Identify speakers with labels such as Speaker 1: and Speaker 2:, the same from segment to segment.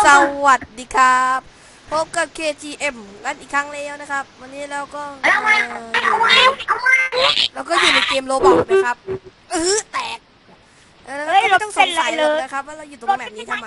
Speaker 1: สวัสดีครับพบกับ KGM กันอีกครั้งแล้วนะครับวันนี้เราก็อยู่ในเกมโรบอทนะครับแตกแล้วก็ไม่ต้องสงสัยเลยนะครับว่าเราอยู่ตรงแมปนี้ทำไม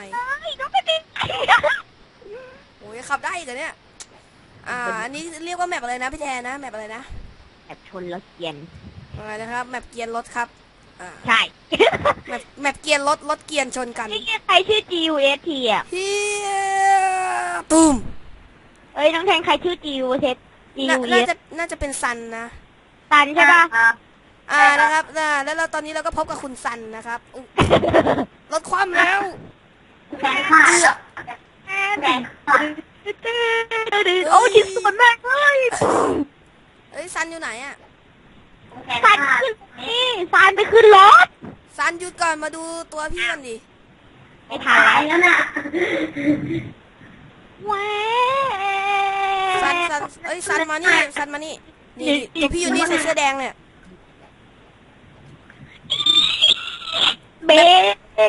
Speaker 1: โอ้ยขับได้อีกเหรอเนี่ยอันนี้เรียกว่าแมปอะไรนะพี่แทนนะแมปอะไรนะ
Speaker 2: แอบชนรถเกียน
Speaker 1: อะไรนะครับแมปเกียร์รถครับ
Speaker 2: ใช่
Speaker 1: แมปเกียร์รถเกียร์ชนกัน
Speaker 2: นี่ใครชื่อ GUST อ่ะ
Speaker 1: เฮียตูม
Speaker 2: เอ้ยน้องแทนใครชื่อ GUST
Speaker 1: น่าจะเป็นซันนะ
Speaker 2: ซันใช่ป่ะ
Speaker 1: นะครับแล้วเราตอนนี้เราก็พบกับคุณซันนะครับรถคว่ำแล้ว
Speaker 2: โอ้ชิ้นส่วนมากเลย
Speaker 1: เอ้ยซันอยู่ไหนอ่ะ
Speaker 2: ซันขึ้นนี่ซันไปขึ้นรถ
Speaker 1: ซันหยุดก่อนมาดูตัวพี่กันดิ
Speaker 2: ไม่ทันแล้วนะแหว
Speaker 1: ซันเอ้ยซันมานี่ซันมานี่นี่ตัวพี่อยู่นี่ใส่เสื้อแดงเนี่ย
Speaker 2: เบรก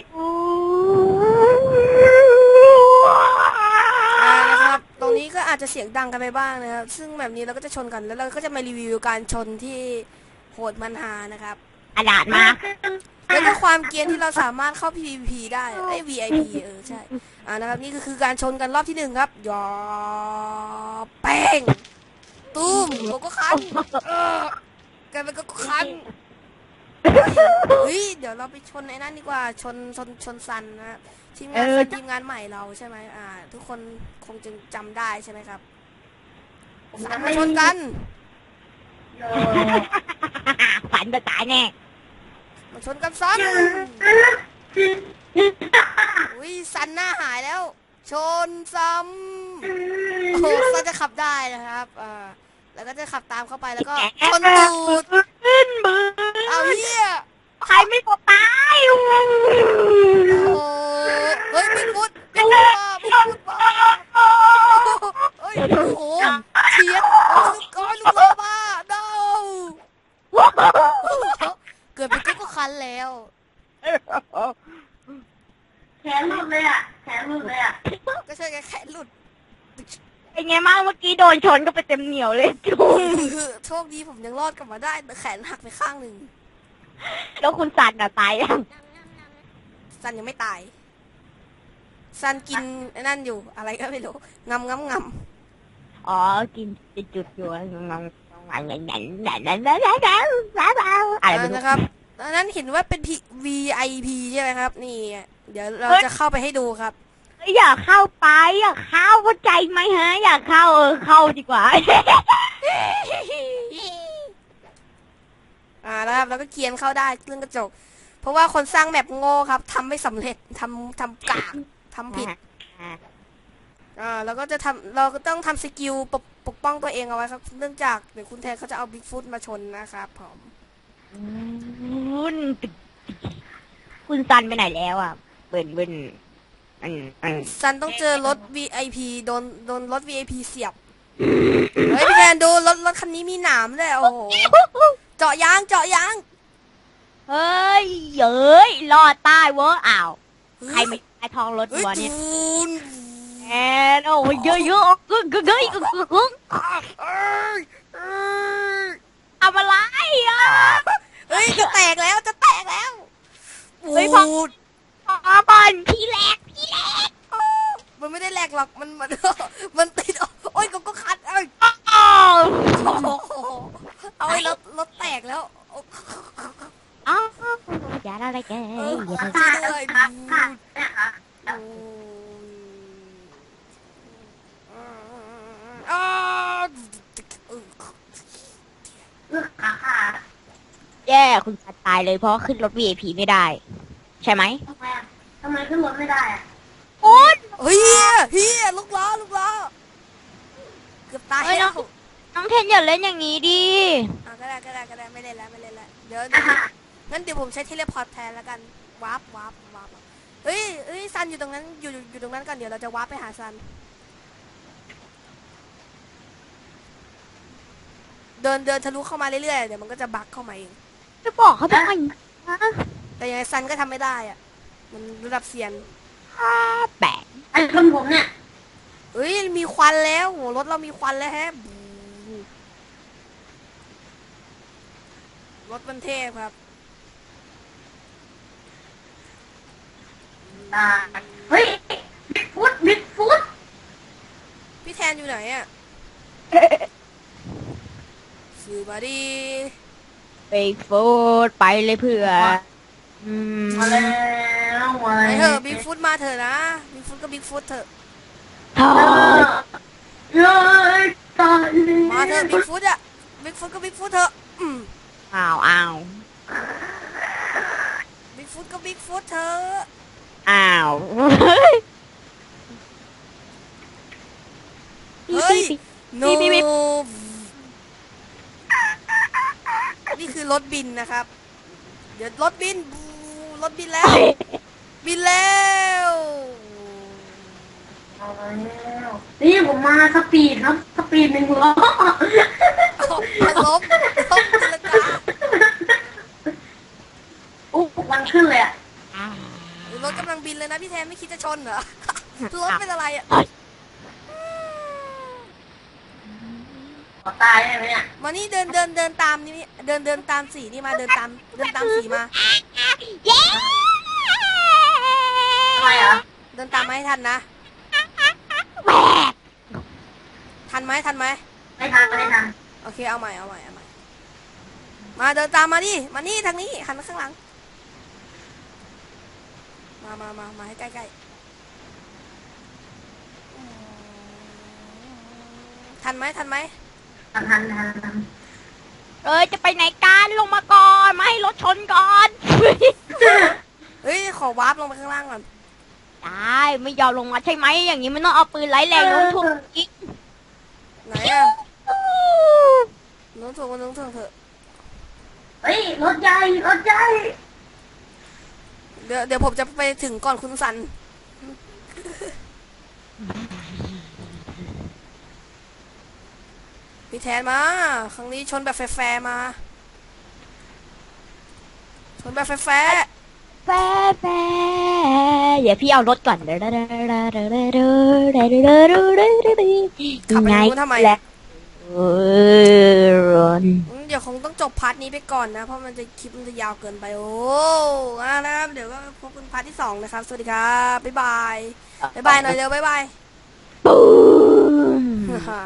Speaker 1: นะครับตรงนี้ก็อาจจะเสียงดังกันไปบ้างนะครับซึ่งแบบนี้เราก็จะชนกันแล้วเราก็จะมารีวิวการชนที่โหดมันหานะครับ
Speaker 2: อนาถมาก
Speaker 1: แล้วก็ความเกรียนที่เราสามารถเข้า PVP ได้ไอ้ VIP ใช่นะครับนี่ก็คือการชนกันรอบที่1ครับยอแป้งตุ้มโกโก้คันกันเป็นโกโก้คันเฮ้ยเดี๋ยวเราไปชนไอ้นั่นดีกว่าชนซันนะทีมงานใหม่เราใช่ไหมทุกคนคงจะจำได้ใช่ไหมครับมาชนกัน
Speaker 2: ฝันจะตายแน่
Speaker 1: มาชนกันซันอุ้ยซันหน้าหายแล้วชนซ้ำโอ้ซันจะขับได้นะครับแล้วก็จะขับตามเข้าไปแล้วก็ชนตูด
Speaker 2: ขึ้นมือ
Speaker 1: เอาเหี้ย
Speaker 2: ใครไม่กดตายโอ้
Speaker 1: เฮ้ยบิ๊กฟุตเฮ้ยโอ้โหเฉียดลูกก้อนลูกโลบ้าเดาเกิดเป็นกิ๊กก็คันแล้ว
Speaker 2: แขนหลุดเลยอ่ะ
Speaker 1: ก็ใช่แขนหลุด
Speaker 2: เป็นไงบ้างเมื่อกี้โดนชนก็ไปเต็มเหนียวเลยจุ๊
Speaker 1: โชคดีผมยังรอดกลับมาได้แต่แขนหักไปข้างหนึ่ง
Speaker 2: แล้วคุณซันอะตายยัง
Speaker 1: ซันยังไม่ตายซันกินนั่นอยู่อะไรก็ไม่รู้งำ
Speaker 2: อ๋อกินจุดอยู่อะไร
Speaker 1: นะครับดังนั้นเห็นว่าเป็น VIP ใช่ไหมครับนี่เดี๋ยวเราจะเข้าไปให้ดูครับ
Speaker 2: อยากเข้าไปอยากเข้าเข้าใจไหมฮะอยากเข้าเข้าดีกว่า
Speaker 1: นะครับแล้วก็เกียนเข้าได้เรื่องกระจกเพราะว่าคนสร้างแมปโง่ครับทำไม่สำเร็จทำกากทำผิดแล้วก็เราก็ต้องทำสกิลปกป้องตัวเองเอาไว้ครับเนื่องจากเดี๋ยวคุณแทนเขาจะเอาบิ๊กฟุตมาชนนะครับผม
Speaker 2: คุณซันไปไหนแล้วอ่ะเบิ้น
Speaker 1: ซันต้องเจอรถ VIP โดนรถ VIP เสียบเฮ้ยพี่แทนดูรถคันนี้มีหนามเลยโอ้โหเจาะยาง
Speaker 2: เฮ้ยเย้ยรอดใต้เวอร์อ้าวใครไม่ไอทองรถวัวเนี่ยแอนโอ้ยเยอะๆทำอะไรอ่ะ
Speaker 1: เฮ้ยจะแตกแล้ว
Speaker 2: เฮ้ยพอบอลพี่แหลก
Speaker 1: มันไม่ได้แหลกหรอกมันติดโอ้ยก็คัดเอาไอ้รถแตกแล้ว
Speaker 2: อย่าอะไรแก
Speaker 1: อย่าไปช่วยด้วย
Speaker 2: แย่คุณซันตายเลยเพราะขึ้นรถ VIP ไม่ได้ใช่ไหม
Speaker 3: ทำไมขึ้นรถไม่ได้อะ
Speaker 2: คุณ
Speaker 1: เฮียลูกล้อเกือบตายแล้ว
Speaker 2: น้องเทนอย่าเล่นอย่างนี้ดิ
Speaker 1: ก็ได้ไม่เล่นแล้วเดี๋ยวงั้นเดี๋ยวผมใช้เทเลพอร์ตแทนแล้วกันวาร์ปเฮ้ยซันอยู่ตรงนั้นอยู่ตรงนั้นกันเดี๋ยวเราจะวาร์ปไปหาซันเดินทะลุเข้ามาเรื่อยๆเดี๋ยวมันก็จะบั๊กเข้ามาเอง
Speaker 2: จะบอกเขาทำไม
Speaker 1: แต่ยังไงซันก็ทำไม่ได้อ่ะมันระดับเซียน
Speaker 2: แบก
Speaker 3: ชนผมเนี่ย
Speaker 1: เอ้ยมีควันแล้วโหรถเรามีควันแล้วแฮะรถมันเทพครับ
Speaker 3: เฮ้ยบิ๊กฟุต
Speaker 1: พี่แทนอยู่ไหนอะสื่อมาดี
Speaker 2: ไปฟูดไปเลยเพื่อม
Speaker 3: มาแล้วมา
Speaker 1: ไป
Speaker 3: แล้ว
Speaker 1: เถอะบิ๊กฟุตมาเถอะนะบิ๊กฟุตก็บิ๊กฟุตเถอะ
Speaker 2: เฮ้ย
Speaker 3: เย้ยตาย
Speaker 1: มาเถอะบิ๊กฟุตอะบิ๊กฟุตก็บิ๊กฟุตเถอะ
Speaker 2: อ้าวอ้าว
Speaker 1: บิ๊กฟุตก็บิ๊กฟุตเถอะ
Speaker 2: อ้าว
Speaker 1: เฮ้ยโน
Speaker 2: บีบ
Speaker 1: นี่คือรถบินนะครับ เดี๋ยวรถบินรถบินแล้ว บินแล้ว
Speaker 3: มาแล้วนี่ผมมาสปีดครับสปีด1 ล้อ
Speaker 1: เอาลบตีลังกา
Speaker 3: อุ๊บมันขึ้นเลยอ่ะ
Speaker 1: รถกำลังบินเลยนะพี่แทนไม่คิดจะชนเหรอ รถเป็นอะไรอ่ะ
Speaker 3: ขอตายได้ไหมเนี่ย
Speaker 1: มานี่เดินตามนี่เดินตามสีนี่มาเดินตามสีมา
Speaker 2: เย้
Speaker 3: ทำไมอ่ะ
Speaker 1: เดินตามมาให้ทันนะ
Speaker 2: แหวก
Speaker 1: ทันไหม
Speaker 3: ไม่ทัน
Speaker 1: โอเคเอาใหม่มาเดินตามมาดิมานี่ทางนี้หันข้างหลังมาให้ใกล้ๆทันไหม
Speaker 3: ทัน
Speaker 2: เอ้ยจะไปไหนกันลงมาก่อนมาให้รถชนก่อน
Speaker 1: เฮ้ยขอวาร์ปลงไปข้างล่างก่อน
Speaker 2: ได้ไม่ยอมลงมาใช่ไหมอย่างนี้มันต้องเอาปืนไร้แรงโน้มถ่วงอีก
Speaker 1: ไหนอะน้องถ่วงเถอะ
Speaker 3: เฮ้ยรถใหญ่
Speaker 1: เดี๋ยวผมจะไปถึงก่อนคุณสัน พี่แทนมา ครั้งนี้ชนแบบแฟร์ๆมา ชนแบบแฟร์
Speaker 2: แฟเดี๋ยวพี่เอารๆก่อน
Speaker 1: ๆขับไป
Speaker 2: ไง
Speaker 1: นู้นทำไม
Speaker 2: แหละ
Speaker 1: เดี๋ยวคงต้องจบพาร์ทนี้ไปก่อนนะ เพราะมันจะคลิปมันจะยาวเกินไป โอ้นะครับเดี๋ยวก็พบกันพาร์ทที่2นะครับ สวัสดีครับ บ๊ายบายหน่อยเร็วบ๊ายบาย
Speaker 2: ปูม